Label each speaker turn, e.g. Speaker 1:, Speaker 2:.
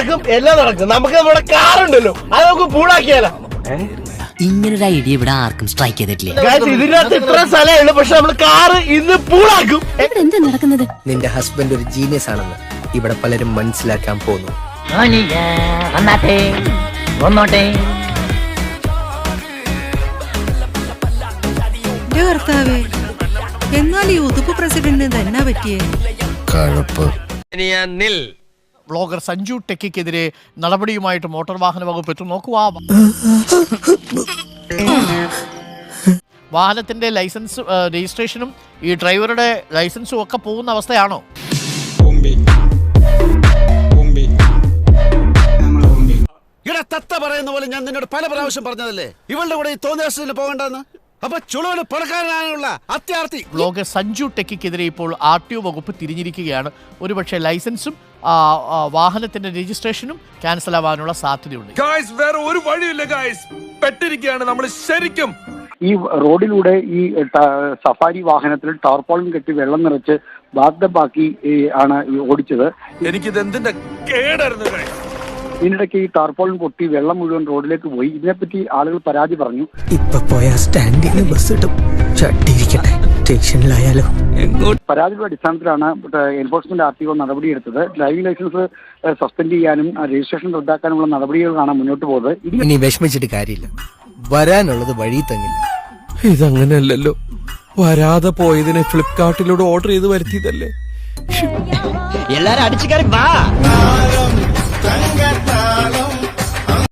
Speaker 1: നടക്കും, എല്ലാം നടക്കും. നമുക്ക് നമ്മുടെ കാറുണ്ടല്ലോ, അത് നമുക്ക് പൂളാക്കിയാലോ.
Speaker 2: ഇങ്ങനൊരു ഐഡിയ ഇവിടെ ആർക്കും സ്ട്രൈക്ക് ചെയ്തിട്ടില്ല.
Speaker 1: ഇതിനകത്ത് ഇത്ര സ്ഥലമേ ഉള്ളൂ, പക്ഷെ നമ്മള് കാറ് ഇന്ന് പൂളാക്കും.
Speaker 3: എന്താ നടക്കുന്നത്?
Speaker 4: നിന്റെ ഹസ്ബൻഡ് ഒരു ജീനിയസ് ആണെന്ന് ഇവിടെ പലരും മനസ്സിലാക്കാൻ പോകുന്നു.
Speaker 5: ഭർത്താവേ, എന്നാൽ ഈ ഉതുപ്പ് പ്രസിഡന്റിന് തന്നെ പറ്റിയേ
Speaker 6: ബ്ലോഗർ സഞ്ജു ടെക്കിക്കെതിരെ നടപടിയുമായിട്ട് മോട്ടോർ വാഹന വകുപ്പ് എത്തും. നോക്കുക, വാഹനത്തിന്റെ ലൈസൻസ് രജിസ്ട്രേഷനും ഈ ഡ്രൈവറുടെ ലൈസൻസും ഒക്കെ പോകുന്ന അവസ്ഥയാണോ?
Speaker 7: ഇവിടെ തത്ത പറയുന്ന പോലെ ഞാൻ നിന്നോട് പല പ്രാവശ്യം പറഞ്ഞതല്ലേ ഇവളുടെ കൂടെ ഈ തോന്നിയ പോകണ്ടെന്ന്. അപ്പൊ ചുളുവിന് പണക്കാരനാണുള്ള അത്യാർത്ഥി.
Speaker 6: ബ്ലോഗർ സഞ്ജു ടെക്കിക്കെതിരെ ഇപ്പോൾ RTO വകുപ്പ് തിരിഞ്ഞിരിക്കുകയാണ്. ഒരുപക്ഷെ ലൈസൻസും വാഹനത്തിന്റെ രജിസ്ട്രേഷനും ക്യാൻസൽ ആവാനുള്ള സാധ്യതയുണ്ട്.
Speaker 8: വേറെ ഒരു വഴിയില്ല, പെട്ടിരിക്കുകയാണ് നമ്മൾ ശരിക്കും.
Speaker 9: ഈ റോഡിലൂടെ ഈ സഫാരി വാഹനത്തിൽ ടാർപോളിൻ കെട്ടി വെള്ളം നിറച്ച് ബാക്കി ആണ് ഓടിച്ചത്.
Speaker 8: എനിക്കിത് എന്തിന്റെ കേടായിരുന്നു.
Speaker 9: ഇതിനിടയ്ക്ക് ഈ ടാർപോളിൻ പൊട്ടി വെള്ളം മുഴുവൻ റോഡിലേക്ക് പോയി. ഇതിനെപ്പറ്റി ആളുകൾ പരാതി പറഞ്ഞു.
Speaker 4: ഇപ്പൊ പോയ സ്റ്റാൻഡിൽ ബസ് കിട്ടും, ചട്ടിയിരിക്കട്ടെ സ്റ്റേഷനിലായാലോ.
Speaker 9: പരാതിയുടെ അടിസ്ഥാനത്തിലാണ് എൻഫോഴ്സ്മെന്റ് RTO നടപടിയെടുത്തത്. ഡ്രൈവിംഗ് ലൈസൻസ് സസ്പെൻഡ് ചെയ്യാനും രജിസ്ട്രേഷൻ റദ്ദാക്കാനുമുള്ള നടപടികളാണ് മുന്നോട്ട് പോകുന്നത്.
Speaker 4: ഇനി വിഷമിച്ചിട്ട് കാര്യമില്ല, വരാനുള്ളത് വഴി തങ്ങില്ല.
Speaker 8: ഇതങ്ങനെയല്ലല്ലോ, വരാതെ പോയതിനെ ഫ്ലിപ്കാർട്ടിലൂടെ ഓർഡർ ചെയ്ത് വരുത്തിയതല്ലേ.
Speaker 2: എല്ലാരും അടിച്ചു കയറി വാ.